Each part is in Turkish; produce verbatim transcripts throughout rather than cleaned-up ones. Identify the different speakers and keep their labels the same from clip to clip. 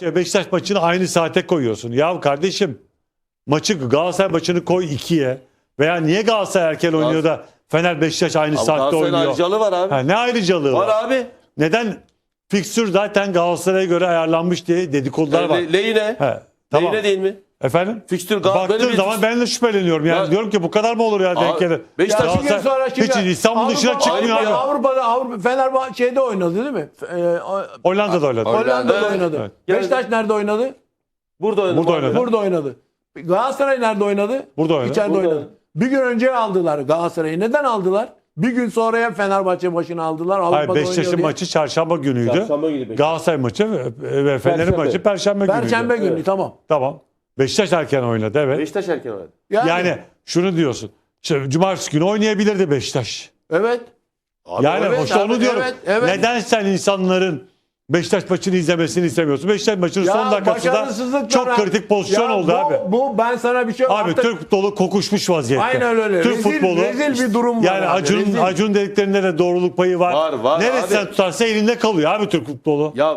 Speaker 1: Fenerbahçe Beşiktaş maçını aynı saate koyuyorsun. Ya kardeşim maçı Galatasaray maçını koy ikiye. Veya niye Galatasaray erken oynuyor da Fener Beşiktaş aynı
Speaker 2: Abi
Speaker 1: saatte
Speaker 2: Galatasaray'ın
Speaker 1: oynuyor?
Speaker 2: ayrıcalığı var abi.
Speaker 1: Ha, ne ayrıcalığı var?
Speaker 2: Var abi.
Speaker 1: Neden? Fikstür zaten Galatasaray'a göre ayarlanmış diye dedikodular var.
Speaker 2: Le, lehine.
Speaker 1: He, tamam.
Speaker 2: Lehine değil mi?
Speaker 1: Efendim?
Speaker 2: Fikstür Gal- böyle
Speaker 1: Baktığım
Speaker 2: bir-
Speaker 1: zaman ben de şüpheleniyorum. Yani
Speaker 2: Ya-
Speaker 1: diyorum ki bu kadar mı olur ya denk
Speaker 2: Abi,
Speaker 1: gelir?
Speaker 2: Beşiktaş
Speaker 3: Ya iki gün sonra
Speaker 1: Hiç
Speaker 3: şimdi
Speaker 1: İstanbul dışına
Speaker 3: Avrupa-
Speaker 1: çıkmıyor
Speaker 3: Avrupa-
Speaker 1: abi.
Speaker 3: Avrupa'da Avrupa Fenerbahçe'de oynadı değil mi? Ee, o-
Speaker 1: Hollanda'da oynadı.
Speaker 3: Hollanda'da
Speaker 2: Evet.
Speaker 3: oynadı.
Speaker 1: Evet.
Speaker 3: Beşiktaş nerede oynadı?
Speaker 2: Burada oynadı.
Speaker 1: Burada oynadı.
Speaker 3: Burada oynadı. Galatasaray nerede oynadı?
Speaker 1: Burada oynadı.
Speaker 3: İçeride
Speaker 2: Burada
Speaker 3: oynadı.
Speaker 2: oynadı.
Speaker 3: Bir gün önce aldılar Galatasaray'ı. Neden aldılar? Bir gün sonraya Fenerbahçe başına aldılar.
Speaker 1: Hayır,
Speaker 3: Avrupa'da oynuyor
Speaker 1: Beşiktaş'ın
Speaker 3: diye.
Speaker 1: maçı çarşamba günüydü.
Speaker 2: Çarşamba günü Beşiktaş.
Speaker 1: Galatasaray maçı ve ve Fener'in
Speaker 2: Perşembe.
Speaker 1: maçı perşembe günüydü.
Speaker 3: Perşembe günü
Speaker 2: Evet.
Speaker 3: tamam.
Speaker 1: Tamam. Beşiktaş erken oynadı evet.
Speaker 2: Beşiktaş erken oynadı.
Speaker 3: Yani,
Speaker 1: Yani şunu diyorsun. İşte cumartesi günü oynayabilirdi Beşiktaş.
Speaker 3: evet.
Speaker 2: Abi
Speaker 1: Yani
Speaker 3: evet
Speaker 1: işte
Speaker 3: abi,
Speaker 1: onu diyorum.
Speaker 3: evet, evet.
Speaker 1: Neden sen insanların Beşiktaş maçını izlemesini istemiyorsun? Beşiktaş maçının son dakikasında
Speaker 3: başarısızlıklar-
Speaker 1: çok kritik pozisyon
Speaker 3: Ya
Speaker 1: oldu
Speaker 3: bu,
Speaker 1: abi.
Speaker 3: Bu ben sana bir şey
Speaker 1: Abi
Speaker 3: artık-
Speaker 1: Türk futbolu kokuşmuş vaziyette.
Speaker 3: Aynen öyle.
Speaker 1: Türk
Speaker 3: Rezil-
Speaker 1: futbolu.
Speaker 3: rezil bir durum var
Speaker 1: Yani
Speaker 3: abi,
Speaker 1: Acun'un
Speaker 3: rezil.
Speaker 1: Acun dediklerinde de doğruluk payı var.
Speaker 2: Var, var
Speaker 1: Neresinden
Speaker 2: abi.
Speaker 1: tutarsa elinde kalıyor abi Türk futbolu.
Speaker 2: Ya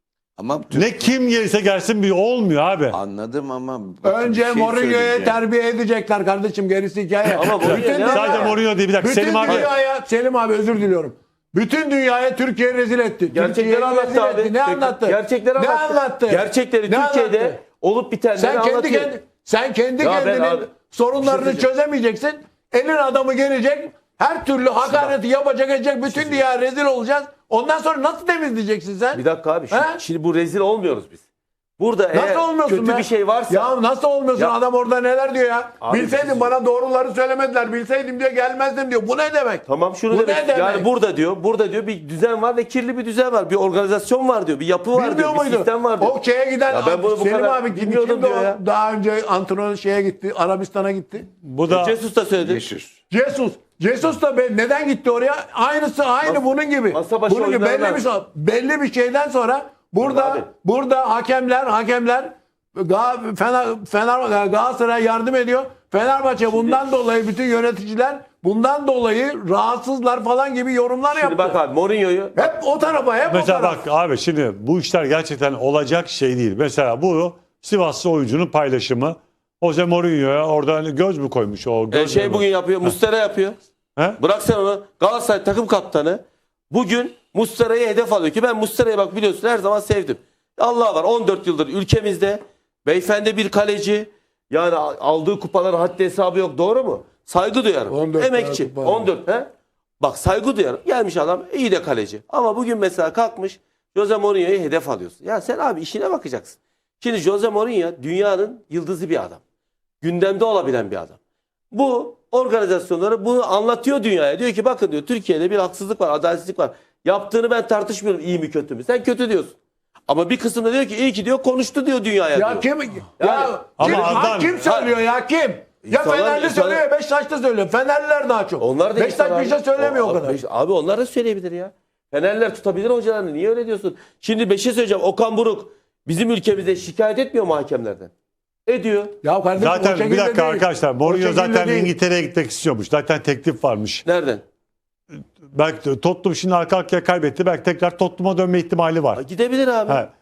Speaker 4: Ama Türk-
Speaker 1: Ne kim gelirse gelsin bir olmuyor abi.
Speaker 4: anladım ama bakın
Speaker 3: Önce
Speaker 4: bir şey
Speaker 3: Mourinho'ya
Speaker 4: söyleyeceğim.
Speaker 3: terbiye edecekler kardeşim, gerisi hikaye.
Speaker 2: Ama Mourinho
Speaker 3: Bütün
Speaker 2: ne
Speaker 3: dünya-
Speaker 1: Sadece Mourinho değil bir dakika.
Speaker 3: Bütün
Speaker 1: Selim abi.
Speaker 3: dünyaya, Selim abi özür diliyorum. Bütün dünyaya Türkiye rezil etti.
Speaker 2: gerçekleri
Speaker 3: Türkiye'yi
Speaker 2: anlattı
Speaker 3: rezil
Speaker 2: abi.
Speaker 3: etti. Ne anlattı?
Speaker 2: Gerçekleri
Speaker 3: Ne
Speaker 2: anlattı.
Speaker 3: anlattı?
Speaker 2: Gerçekleri
Speaker 3: Ne
Speaker 2: Türkiye'de
Speaker 3: anlattı?
Speaker 2: olup bitenleri
Speaker 3: Sen kendi
Speaker 2: anlatıyor.
Speaker 3: kendi sen kendi
Speaker 2: Ya ben
Speaker 3: kendinin
Speaker 2: abi-
Speaker 3: sorunlarını
Speaker 2: Bir şey
Speaker 3: çözemeyeceksin. Elin adamı gelecek. Her türlü hakareti yapacak edecek. Bütün dünya rezil olacağız. Ondan sonra nasıl temizleyeceksin sen?
Speaker 2: Bir dakika abi. Şu,
Speaker 3: He?
Speaker 2: şimdi bu rezil olmuyoruz biz. Burada
Speaker 3: Nasıl
Speaker 2: eğer
Speaker 3: olmuyorsun
Speaker 2: kötü
Speaker 3: be?
Speaker 2: bir şey varsa
Speaker 3: Ya nasıl olmuyorsun?
Speaker 2: Ya-
Speaker 3: Adam orada neler diyor ya?
Speaker 2: Abi bir
Speaker 3: Bilseydim
Speaker 2: şey
Speaker 3: bana doğruları söylemediler. Bilseydim diyor gelmezdim diyor. Bu ne demek?
Speaker 2: tamam şunu
Speaker 3: Bu
Speaker 2: demek.
Speaker 3: ne demek?
Speaker 2: Yani burada diyor, burada diyor bir düzen var ve kirli bir düzen var. Bir organizasyon var diyor. Bir yapı var
Speaker 3: Bilmiyor
Speaker 2: diyor. Bir
Speaker 3: muydu?
Speaker 2: sistem var diyor.
Speaker 3: O şeye giden
Speaker 2: Ya ben bunu bu
Speaker 3: Selim
Speaker 2: kadar
Speaker 3: abi kim,
Speaker 2: bilmiyordum
Speaker 3: kimdi
Speaker 2: diyor
Speaker 3: o?
Speaker 2: ya.
Speaker 3: Daha önce antrenör şeye gitti. Arabistan'a gitti.
Speaker 1: Bu da
Speaker 2: Jesus da söyledi.
Speaker 4: Jesus.
Speaker 3: Jesus. Jesus da be, neden gitti oraya? Aynısı aynı
Speaker 2: Mas-
Speaker 3: bunun gibi.
Speaker 2: masa başı
Speaker 3: Bunun gibi belli
Speaker 2: oyunlardan.
Speaker 3: bir so- belli bir şeyden sonra burada
Speaker 2: Abi.
Speaker 3: burada hakemler hakemler Ga- Fener, Fener Galatasaray yardım ediyor. Fenerbahçe bundan dolayı bütün yöneticiler bundan dolayı rahatsızlar falan gibi yorumlar
Speaker 2: Şimdi
Speaker 3: yaptı.
Speaker 2: bak abi Mourinho'yu
Speaker 3: Hep o tarafa, hep
Speaker 1: mesela
Speaker 3: o tarafa.
Speaker 1: bak abi şimdi bu işler gerçekten olacak şey değil. Mesela bu Sivaslı oyuncunun paylaşımı. Jose Mourinho'ya orada göz mü koymuş o
Speaker 2: e,
Speaker 1: göz
Speaker 2: şey
Speaker 1: mü?
Speaker 2: bugün yapıyor. Mustera yapıyor.
Speaker 1: He?
Speaker 2: Bırak sen onu. Galatasaray takım kaptanı bugün Mustera'yı hedef alıyor ki ben Mustera'yı bak biliyorsun her zaman sevdim. Allah var on dört yıldır ülkemizde beyefendi bir kaleci, yani aldığı kupaların haddi hesabı yok, doğru mu? Saygı duyarım.
Speaker 3: on dört
Speaker 2: Emekçi.
Speaker 3: tane kupa.
Speaker 2: on dört he? Bak saygı duyarım. Gelmiş adam iyi de kaleci. Ama bugün mesela kalkmış Jose Mourinho'yu hedef alıyorsun. Ya sen abi işine bakacaksın. Şimdi Jose Mourinho dünyanın yıldızı bir adam. Gündemde olabilen bir adam. Bu organizasyonları bunu anlatıyor dünyaya. Diyor ki bakın diyor Türkiye'de bir haksızlık var, adaletsizlik var. Yaptığını ben tartışmıyorum iyi mi kötü mü. Sen kötü diyorsun. Ama bir kısım da diyor ki iyi ki diyor konuştu diyor dünyaya
Speaker 3: Ya
Speaker 2: diyor.
Speaker 3: kim ya
Speaker 1: Ama
Speaker 3: kim,
Speaker 1: adam-
Speaker 3: kim söylüyor ya kim? Ya
Speaker 2: İnsanlar-
Speaker 3: Fenerli
Speaker 2: insanlar-
Speaker 3: söylüyor, Beşiktaş'ta söylüyor. Fenerliler daha çok.
Speaker 2: Onlar da
Speaker 3: Beşiktaş
Speaker 2: insan
Speaker 3: bir şey
Speaker 2: abi.
Speaker 3: söylemiyor o
Speaker 2: Abi,
Speaker 3: kadar.
Speaker 2: Beş- Abi onlar da söyleyebilir ya. Fenerler tutabilir hocalarını. Niye öyle diyorsun? Şimdi bir şey söyleyeceğim. Okan Buruk bizim ülkemizde şikayet etmiyor mu hakemlerden? Ediyor.
Speaker 3: Ya kardeşim o
Speaker 1: Zaten bir
Speaker 3: şekilde
Speaker 1: dakika
Speaker 3: değil.
Speaker 1: arkadaşlar
Speaker 3: O
Speaker 1: Mourinho
Speaker 3: şekilde
Speaker 1: zaten
Speaker 3: değil.
Speaker 1: İngiltere'ye gitmek istiyormuş. Zaten teklif varmış.
Speaker 2: Nereden?
Speaker 1: Belki de Tottenham şimdi arka arkaya kaybetti. Belki tekrar Tottenham'a dönme ihtimali var.
Speaker 2: Gidebilir abi.
Speaker 1: Ha,